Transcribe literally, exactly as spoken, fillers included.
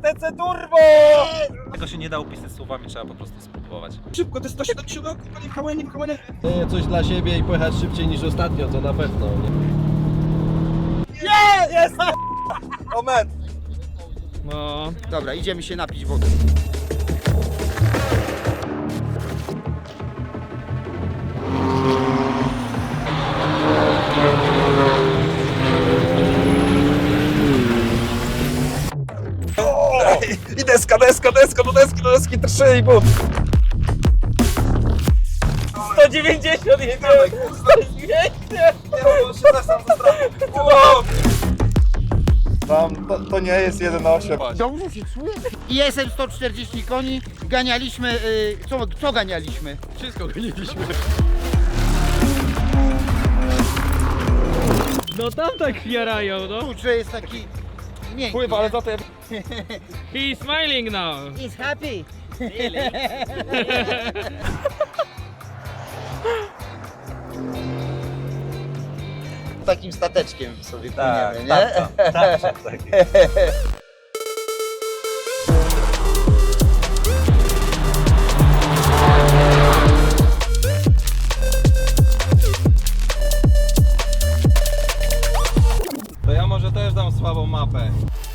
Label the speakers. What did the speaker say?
Speaker 1: T C Turbo!
Speaker 2: Tego się nie da opisać słowami, trzeba po prostu spróbować.
Speaker 1: Szybko, to jest sto siedemdziesiąt, kurwa, nie pchałem, nie pchałem.
Speaker 3: Nie, coś dla siebie i pojechać szybciej niż ostatnio, to na pewno. Nie?
Speaker 1: Nie, jest! Moment.
Speaker 4: No.
Speaker 5: Dobra, idziemy się napić wody.
Speaker 1: I deska, deska, deska, do deski, do deski, trzy i pół. sto dziewięćdziesiąt jedziemy! sto dziewięćdziesiąt!
Speaker 6: Tam, to, to nie jest jeden osiem.
Speaker 5: Dobrze się czuję? I jestem sto czterdzieści koni, ganialiśmy, y, co, co ganialiśmy?
Speaker 3: Wszystko goniliśmy.
Speaker 4: No tam tak jarają, no.
Speaker 5: Kurczę, jest taki miękki.
Speaker 1: Pływa, ale za to ja...
Speaker 4: He is smiling now.
Speaker 5: He's happy. Takim stateczkiem sobie
Speaker 2: Tak,
Speaker 5: płyniemy, nie?
Speaker 2: tak, tak, tak, tak.
Speaker 3: To ja może też dam słabą mapę.